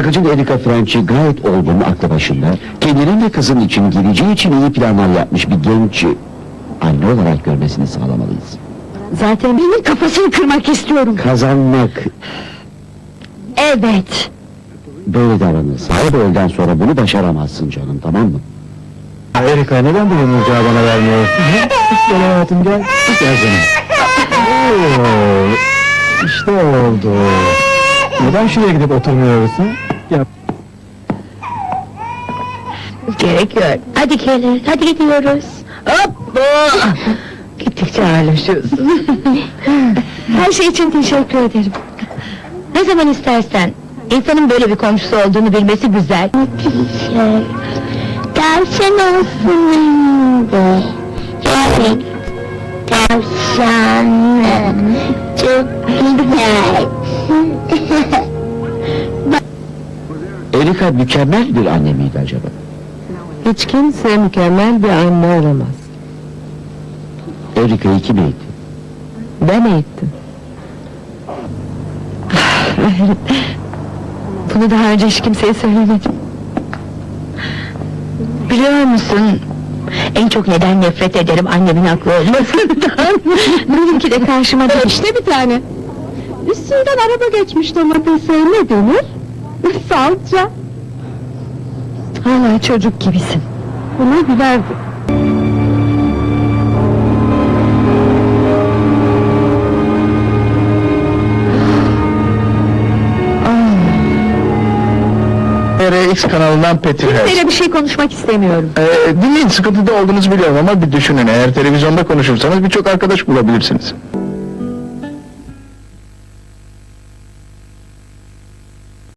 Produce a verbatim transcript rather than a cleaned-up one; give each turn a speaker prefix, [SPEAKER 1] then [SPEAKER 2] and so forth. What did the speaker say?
[SPEAKER 1] Şarkıcı Erika Franchi gayet olgun, aklı başında, kendinin ve kızın için, geleceği için iyi planlar yapmış bir genç anne olarak görmesini sağlamalıyız.
[SPEAKER 2] Zaten benim kafasını kırmak istiyorum.
[SPEAKER 1] Kazanmak,
[SPEAKER 2] Evet.
[SPEAKER 1] böyle davranırsa, bu öğleden sonra bunu başaramazsın canım, tamam mı?
[SPEAKER 3] Erika, neden bu yumurcağı bana vermiyorsun? Gel hayatım, gel. Gel canım. Oo, işte oldu. Neden şuraya gidip oturmuyoruz? Ha? Gel.
[SPEAKER 2] Gerek yok. Hadi gelin, hadi gidiyoruz. Hoppa! Gittikçe ağırlaşıyorsun. Her şey için teşekkür ederim. Ne zaman istersen. İnsanın böyle bir komşusu olduğunu bilmesi güzel. Şey, tavşan olsun önünde. Evet, tavşan. Çok güzel.
[SPEAKER 1] Erika mükemmel bir anne miydi acaba?
[SPEAKER 2] Hiç kimse mükemmel bir anne olamaz.
[SPEAKER 1] Erika'yı kim eğitti?
[SPEAKER 2] Ben eğittim. Bunu daha önce hiç kimseye söylemedim. Biliyor musun? En çok neden nefret ederim annemin haklı olmasından. Benimki de karşıma değil. İşte bir tane. Üstünden araba geçmiş domatese ne denir? Salça. Hala çocuk gibisin. Buna gülerdim.
[SPEAKER 3] R X kanalından Petir Her.
[SPEAKER 2] Böyle bir şey konuşmak istemiyorum.
[SPEAKER 3] Ee, dinleyin, sıkıntıda olduğunuzu biliyorum ama bir düşünün, eğer televizyonda konuşursanız birçok arkadaş bulabilirsiniz.